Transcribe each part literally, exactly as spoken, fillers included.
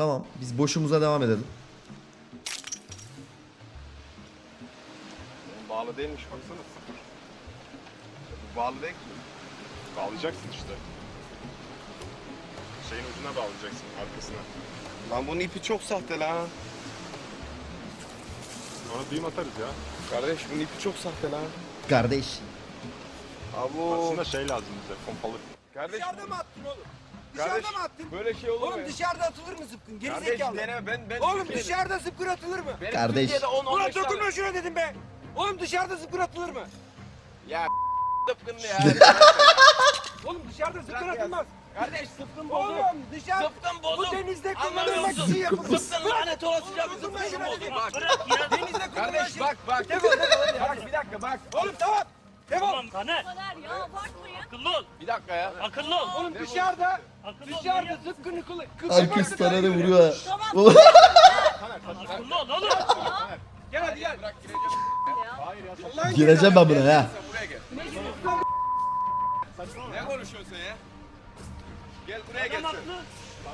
Tamam biz boşumuza devam edelim. Bağlı değilmiş baksana. Bu bağlı değil ki. Bağlayacaksın işte. Şeyin ucuna bağlayacaksın, arkasına. Lan bunun ipi çok sahte lan. Ona düğüm atarız ya. Kardeş bunun ipi çok sahte lan. Kardeş. Abo. Aslında şey lazım bize, pompalı. Kardeş, dışarıda mı attın oğlum? Kardeş, Dışarıda mı attın? böyle şey olur mu? Oğlum dışarıda atılır mı zıpkın? Geri Kardeş zekalı. dene ben ben Oğlum Türkiye'de- dışarıda zıpkın atılır mı? Benim Kardeş. Türkiye'de on on Ulan beş tane- dokunma şuna dedim be. Oğlum dışarıda zıpkın atılır mı? Ya zıpkın ya. Oğlum dışarıda zıpkın Bırak ya. atılmaz. Kardeş zıpkın bozuk. Oğlum dışarı Zıpkın bozuk. bu denizde Anlamıyor kullanılmak musun? için yapılmış. Zıpkın lanet olasıca bir Dokunma zıpkın şuna bozuk. dedim. Bak. Denizde kullanılan Kardeş şey. bak bak. Defol defol hadi. Bak bir dakika bak. Oğlum tamam. Defol. Tamam Taner. kadar ya abartmayın. Akıllı ol. Bir dakika ya. Akıllı ol. Oğlum dışarıda Akıllı ol. dışarıda manyak. zıpkını kullan. Herkes Taner'e vuruyor. Tamam. Akıllı ol oğlum. Gel hadi gel. Bırak gireceğim. Hayır ya. Allah'ın Gireceğim ben buna ha. Sen buraya gel. Ne konuşuyorsun sen ya? Gel buraya gel Adam sen. haklı.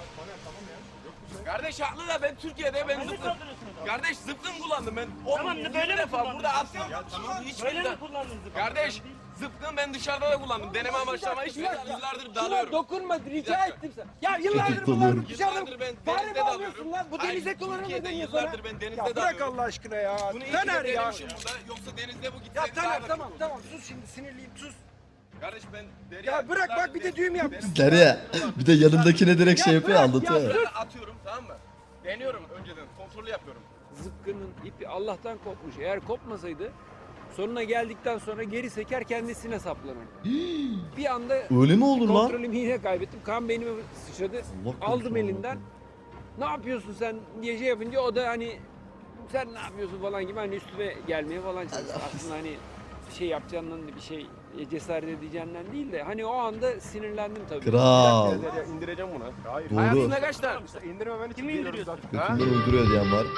Kardeş haklı da ben Türkiye'de ben Ne zıpkın. kaldırıyorsun? Kardeş zıpkın kullandım ben. Tamam, on böyle mi defa kullandın? burada attım. Hiç Böyle kimse- mi kullandın zıpkın? Kardeş zıpkın ben dışarıda da kullandım. Deneme amaçlı ama hiç Bir dakika. yıllardır Şuna dalıyorum. dokunma rica dakika. ettim sana. Ya yıllardır Çocuk bunlar dalıyorum. dışarıda Yıllardır ben fare denizde mi alıyorsun dalıyorum. lan? Bu Hayır, denize kullanılır Türkiye'de deniyor yıllardır sana. ben denizde Ya bırak dalıyorum. Allah aşkına ya. Bunu iyi Taner ki ya. denemişim burada. Yoksa denizde bu Ya gitseydi Taner daha tamam kötü tamam olurdu. sus şimdi sinirliyim sus. Kardeş ben Derya. Ya bırak bak bir de düğüm yapmışsın. Derya bir de yanındakine direkt şey yapıyor anlatıyor. ya. Şöyle atıyorum tamam mı? Deniyorum önceden kontrolü yapıyorum. Zıpkının ipi Allah'tan kopmuş. Eğer kopmasaydı sonuna geldikten sonra geri seker kendisine saplanır. Bir anda Öyle mi olur lan? kontrolümü yine kaybettim. Kan beynime sıçradı. Allah korusun, Aldım Allah elinden. korusun. Ne yapıyorsun sen diye şey yapınca o da hani sen ne yapıyorsun falan gibi hani üstüme gelmeye falan çalıştı. Aslında hani bir şey yapacağından bir şey cesaret edeceğinden değil de hani o anda sinirlendim tabii. Kral. Derya indireceğim bunu. Hayır. Doğru. Hayatında kaç tane? İndirmemen için Kimi geliyoruz indiriyorsun? zaten. Götünden uyduruyor diyen var.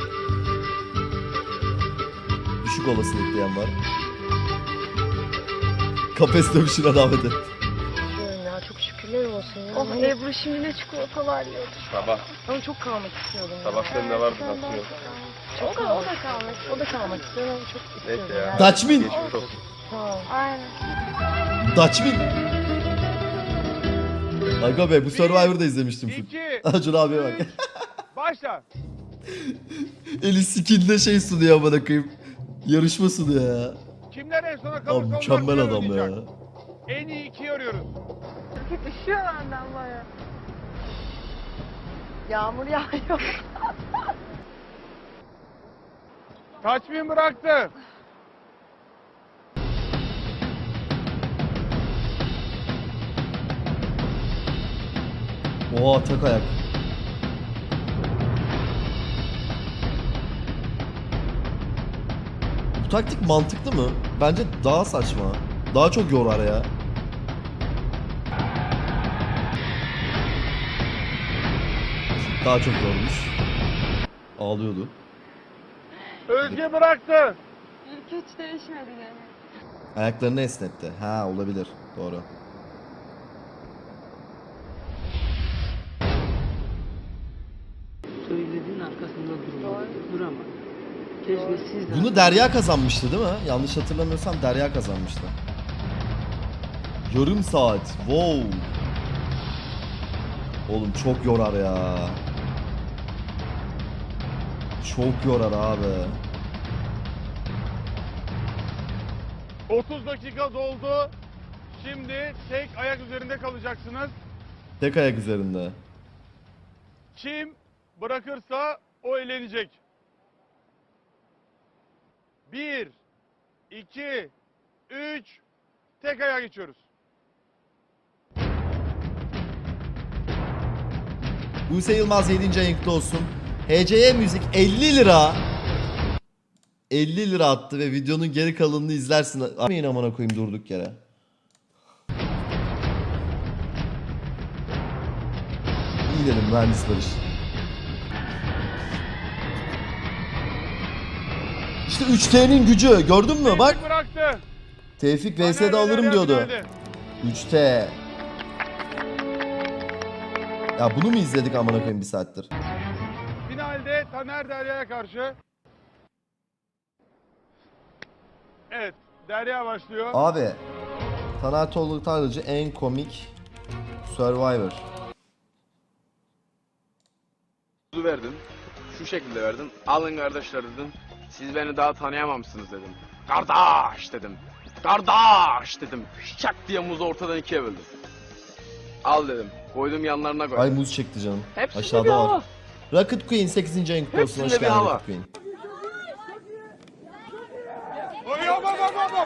Düşük olasılık diyen var. Kafes dövüşüne davet et. Ya çok şükürler olsun ya. Oh Ebru şimdi ne çikolatalar yiyordu. Sabah. Ama çok kalmak istiyordum. Sabah senin de vardı nasıl yok? O da, o da kalmak, o da kalmak istiyorum ama çok istiyordum. Neyse ya. Dutchman. Geçmiş olsun. Tamam. Aynen. Dutchman. Aga be bu Survivor'da izlemiştim. İki, Acun abiye bak. başla. Eli skill'de şey sunuyor amına koyayım. Yarışma sunuyor ya. Kimler en sona Abi kalırsa onlar mükemmel final adam ya. oynayacak. En iyi ikiyi arıyoruz. Üşüyor benden baya. Yağmur yağıyor. Kaçmayın bıraktı. Oha tek ayak. Bu taktik mantıklı mı? Bence daha saçma. Daha çok yorar ya. Daha çok yormuş. Ağlıyordu. Özge bıraktı. İlk hiç değişmedi yani. Ayaklarını esnetti. Ha olabilir. Doğru. Söylediğin arkasında durma. Durama. Keşke siz de Bunu Derya kazanmıştı değil mi? Yanlış hatırlamıyorsam Derya kazanmıştı. Yarım saat. Wow. Oğlum çok yorar ya. Çok yorar abi. otuz dakika doldu. Şimdi tek ayak üzerinde kalacaksınız. Tek ayak üzerinde. Kim bırakırsa o elenecek. Bir, iki, üç, tek ayağa geçiyoruz. Buse Yılmaz yedinci ayın kutlu olsun. H C Y Müzik elli lira. elli lira attı ve videonun geri kalanını izlersin. Amin amına koyayım durduk yere. İyi dedim mühendis Barış. İşte üç T'nin gücü gördün mü bak. Tevfik bıraktı. Tevfik Taner V S'de Beyler alırım yardım diyordu. geldi. üç T. Ya bunu mu izledik amına koyayım bir saattir? Finalde Taner Derya'ya karşı. Evet, Derya başlıyor. Abi Taner Tolga Tarlacı en komik Survivor. verdin. Şu şekilde verdin. Alın kardeşler dedim. Siz beni daha tanıyamamışsınız dedim. Kardeş dedim. Kardeş dedim. Şak diye muzu ortadan ikiye böldüm. Al dedim. Koydum yanlarına koydum. Ay muz çekti canım. Hepsinde bir Aşağıda hava. var. Rocket Queen sekizinci ayın kutlu olsun. Hoş Hepsinde bir geldin hava. Rocket Queen. Oy, hop, hop, hop, hop.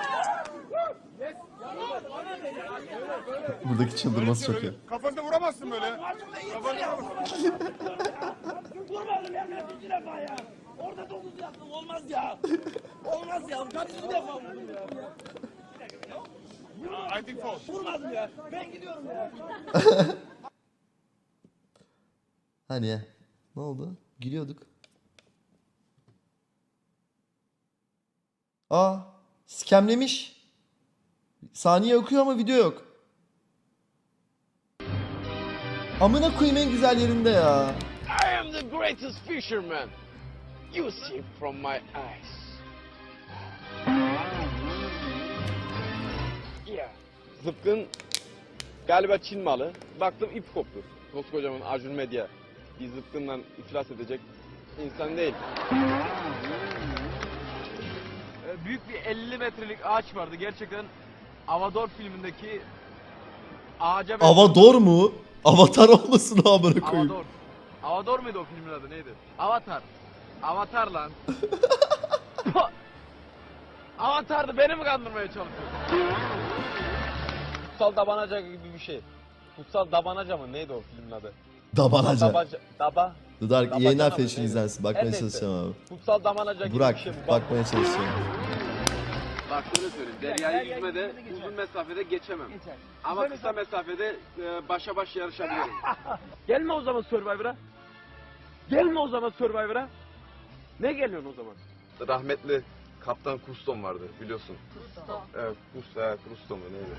Buradaki çıldırması çok iyi. Kafanı vuramazsın böyle. Kafanı vuramazsın. Vurmadım ya kaçıncı defa ya. Orada dokuz yaptım olmaz ya. Olmaz ya kaçıncı defa vurdum ya. I think false. Vurmadım ya. Ben gidiyorum ya. Hani ya. Ne oldu? Gülüyorduk. Aa, skemlemiş. Saniye okuyor ama video yok. Amına koyayım en güzel yerinde ya. I am the greatest fisherman. You see from my eyes. Yeah. Zıpkın galiba Çin malı. Baktım ip koptu. Koskocaman Acun Medya bir zıpkından iflas edecek insan değil. Büyük bir elli metrelik ağaç vardı. Gerçekten Avador filmindeki ağaca benziyor. Avador mu? Avatar olmasın amına koyayım. Avador. Avador muydu o filmin adı neydi? Avatar. Avatar lan. Avatar'dı beni mi kandırmaya çalışıyorsun? Kutsal Dabanaca gibi bir şey. Kutsal Dabanaca mı neydi o filmin adı? Dabanaca. Dabaca, daba. The Dark Dabacana yayınlar mı, fashion neydi? izlensin. Bakmaya Her neyse. çalışacağım abi. Kutsal Dabanaca gibi Burak bir şey bu. Bak, bakmaya çalışacağım. bak şöyle söyleyeyim. Derya'yı yüzmede uzun mesafede geçemem. Ama kısa mesafede e, başa baş yarışabilirim. Gelme o zaman Survivor'a. Gelme o zaman Survivor'a. Ne geliyorsun o zaman? Rahmetli Kaptan Kuston vardı biliyorsun. Kusto. Evet, Kusto, evet, Kusto mu neydi?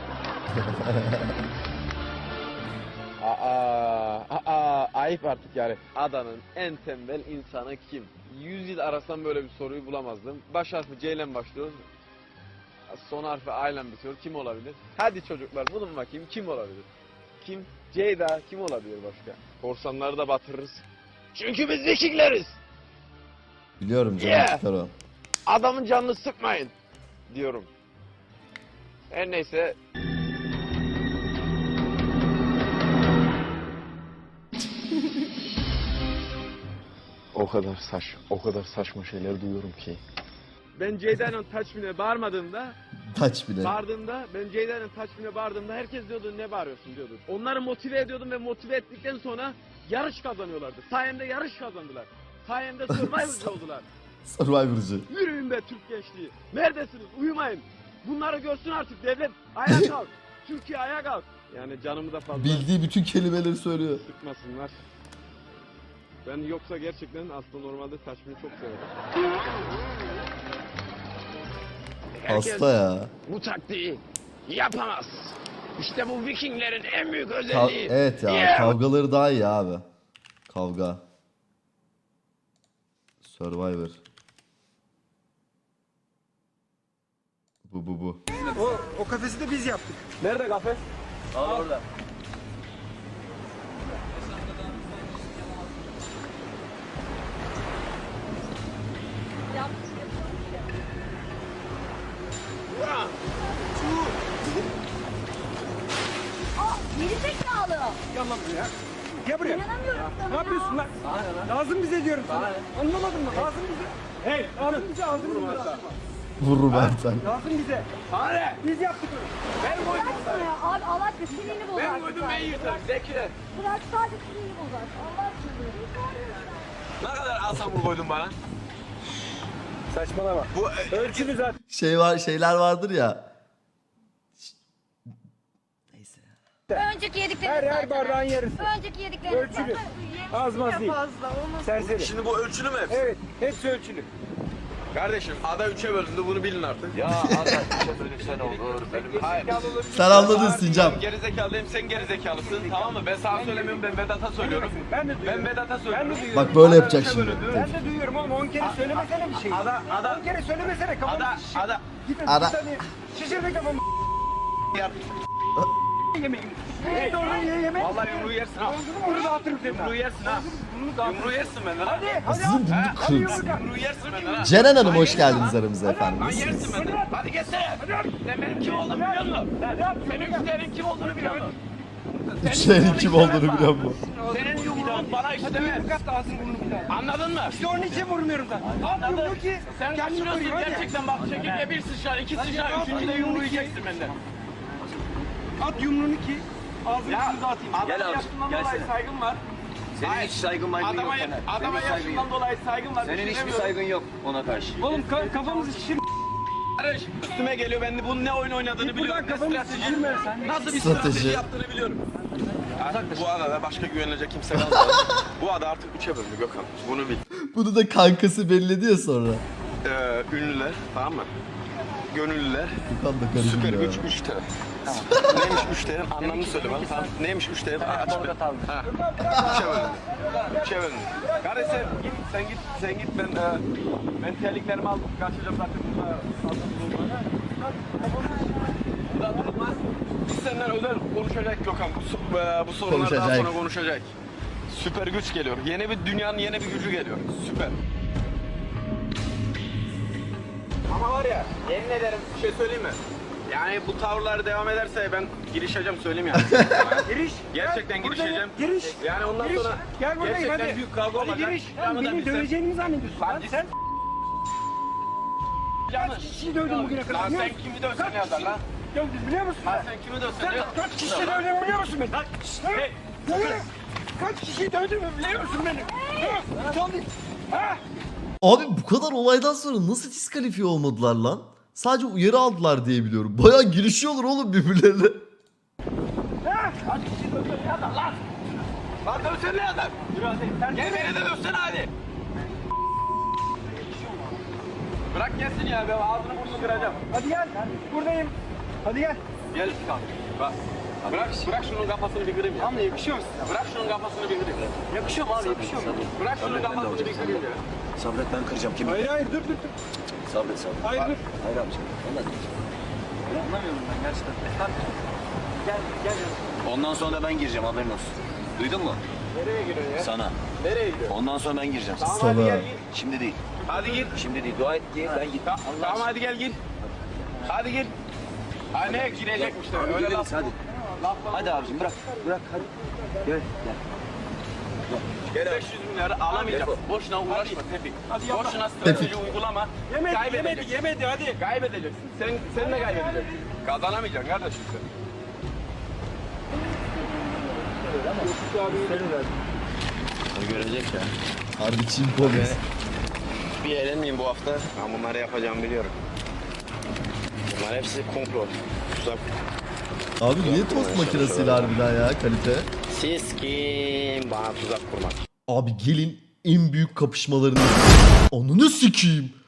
aa, aa, ayıp artık yani. Adanın en tembel insanı kim? Yüz yıl arasam böyle bir soruyu bulamazdım. Baş harfi C ile başlıyor. Son harfi A ile bitiyor. Kim olabilir? Hadi çocuklar bulun bakayım kim olabilir? Kim? Ceyda kim olabilir başka? Korsanları da batırırız. Çünkü biz Vikingleriz. Biliyorum canım Yeah. çıkar o. Adamın canını sıkmayın diyorum. Her neyse. O kadar saç, o kadar saçma şeyler duyuyorum ki. Ben Ceyda'nın Taçmin'e bağırmadığımda, Taç bile. bağırdığımda, ben Ceyda'nın Taçmin'e bağırdığımda herkes diyordu ne bağırıyorsun diyordu. Onları motive ediyordum ve motive ettikten sonra yarış kazanıyorlardı. Sayemde yarış kazandılar. Sayemde Survivor'cı oldular. Survivor'cı. Yürüyün be Türk gençliği. Neredesiniz? Uyumayın. Bunları görsün artık devlet. Ayağa kalk. Türkiye ayağa kalk. Yani canımı da fazla Bildiği bütün kelimeleri söylüyor. sıkmasınlar. Ben yoksa gerçekten aslında normalde Taçmin'i çok severim. Herkes Hasta ya. bu taktiği yapamaz. İşte bu Vikinglerin en büyük Ka- özelliği. evet ya Yeah. kavgaları daha iyi abi. Kavga. Survivor. Bu bu bu. O, o kafesi de biz yaptık. Nerede kafe? Aa, orada. Gerizekalı. Gel lan buraya. Gel buraya. İnanamıyorum sana Ne yapıyorsun lan? Lazım bize diyorum sana. Anlamadın mı? Lazım bize. Hey, lazım bize, lazım bize. Vururum Ertan. Lazım bize. Hadi. Biz yaptık onu. Ben koydum. ya. Abi Allah aşkına sinirli bozar. Ben koydum ben yırtarım. Zekile. Bırak sadece sinirli bozar. Allah aşkına. Ne kadar asam koydun bana? Saçmalama. Bu Ölçülü zaten. Şey var şeyler vardır ya. Neyse. Önceki yediklerini Her her zaten. bardağın yarısı. Önceki yediklerini Ölçülü. zaten. Az maz değil. Serseri. Şimdi bu ölçülü mü hepsi? Evet, hepsi ölçülü. Kardeşim ada üçe bölündü bunu bilin artık. Ya ada üçe bölünsen olur. Hayır. Sen anladın Sincap. Gerizekalıyım sen gerizekalısın tamam mı? Ben sana söylemiyorum ben Vedat'a söylüyorum. Ben de Ben Vedat'a söylüyorum. Bak böyle yapacak şimdi. Ben de duyuyorum oğlum on kere söylemesene bir şey. Ada ada on kere söylemesene kafamı ada şişir. ada. Gidin Ada. bir saniye. Şişirme kafamı. Ya. Yemeğim. Hey doğru ye yemek. Vallahi yumruğu yersin ha. Bunu dağıtırım seni. Yumruğu yersin ha. Yumruğu yersin benden ha. Hadi hadi Sizin bunu hadi kırın. yumruk at. Yumruğu yersin benden ha. Ceren Hanım hoş geldiniz aramıza efendim. Lan Nasılsınız? yersin benden. Hadi geçsene. Sen benim kim olduğumu biliyor musun? Senin güzelin kim olduğunu biliyor musun? Üçlerin kim olduğunu biliyor musun? Senin yumruğun bana işlemez. Yumruk at da ağzını burnunu bir daha. Anladın mı? İşte onun için vurmuyorum zaten. At yumruğu ki Sen kendini kaçırıyorsun koruyor hadi. gerçekten bak çekirge bir sıçrar, iki sıçrar, üçüncü de yumruğu yiyeceksin benden. At yumruğunu ki ağzını Ya yüzünü atayım. adama Gel abi, yaşından gelsene. dolayı saygım var. Senin hiç saygın maygın yok Adama, Taner. adama Senin saygın yaşından yok. dolayı saygım var. Senin hiçbir düşünemiyorum. saygın yok ona karşı. Oğlum ka- kafamızı şişir. Kardeş, üstüme geliyor ben de bunun ne oyun oynadığını Buradan biliyorum. Ne kafamızı strateji, şişirme sen. nasıl bir Strateji. strateji yaptığını biliyorum. Artık bu adada başka güvenilecek kimse kalmadı. Bu ada artık üçe bölündü Gökhan. Bunu bil. Bunu da kankası belledi ya sonra. Ee, ünlüler tamam mı? Gönüllüler. Gökhan da garibim Süper ya. güç üç T. Neymiş üç T'nin anlamını söyle bana. Tamam. Neymiş üç T'nin? Aç bir. Ha. Üçe bölündü. Üçe bölündü. Kardeş sen git, sen git, sen git. Ben e, ben terliklerimi aldım. Kaçacağım zaten burada. Burada durmaz. Biz senden özel konuşacak Gökhan. Bu, so- e, bu sorunlar daha Konuşacak. sonra konuşacak. Süper güç geliyor. Yeni bir dünyanın yeni bir gücü geliyor. Süper. Ama var ya, yemin ederim bir şey söyleyeyim mi? Yani bu tavırlar devam ederse ben girişeceğim söyleyeyim yani. Giriş. Gerçekten Gel, girişeceğim. Giriş. Yani ondan Giriş. sonra Gel buradayım gerçekten hadi. büyük kavga Hadi olacak. giriş. Yanı da Beni bilsem. döveceğini mi zannediyorsun lan sen? Yanlış. Kaç kişiyi dövdün bugüne kadar? Lan biliyor sen musun? kimi dövsen Kaç ne yazar lan? Dövdün biliyor musun? Lan sen kimi dövsen Sen ne yazar? kaç kişiyi dövdün biliyor musun beni? Ha? Hey. Söyle. Kaç kişiyi dövdün biliyor musun beni? Ha? Söyle. Ha? Abi bu kadar olaydan sonra nasıl diskalifiye olmadılar lan? Sadece uyarı aldılar diye biliyorum. Bayağı girişiyorlar oğlum birbirlerine. Ha? Kaç kişi dövsen ne yazar lan? Lan dövsen ne yazar? Gel beni de dövsene hadi. Bırak gelsin ya ben ağzını burnunu kıracağım. Hadi gel. Buradayım. Hadi gel. Gel kanka. Bak. Bırak, bırak şunun kafasını bir kırayım ya. Ama yakışıyor musun? Bırak şunun kafasını bir kırayım. Yakışıyor mu abi? Yakışıyor mu? Bırak şunun kafasını bir kırayım ya. Sabret ben kıracağım kimi? Hayır hayır dur dur dur. Sabret sabret. Hayır dur. Hayır abicim. Vallahi Anlamıyorum ben gerçekten. Gel gel. ondan sonra da ben gireceğim haberin olsun. Duydun mu? Nereye giriyorsun ya? Sana. Nereye gidiyorsun? Ondan sonra ben gireceğim. Tamam Sana. hadi gel git. Şimdi değil. Hadi git. Şimdi değil. Dua et ki ben git. Ta- Tamam hadi gel git. Hadi git. Ha ne girecekmiş de Hadi öyle gideriz, laf. hadi. Laf Hadi abicim bırak. Bırak hadi. Gel gel. beş yüz bin lira alamayacağım. Boşuna uğraşma Tepik. Hadi yapma. Boşuna strateji uygulama. Yemedi Kaybedeceksin. yemedi yemedi hadi. Kaybedeceksin. Sen, sen de kaybedeceksin. Kazanamayacaksın kardeşim sen. O görecek ya. Harbi Çin polis. Bir eğlenmeyeyim bu hafta. Ben bunları yapacağımı biliyorum. Bunlar hepsi komplo. Tuzak. Abi niye tost makinesiyle harbiden ya kalite? Siz kim bana tuzak kurmak? Abi gelin en büyük kapışmalarını... Ananı sikeyim.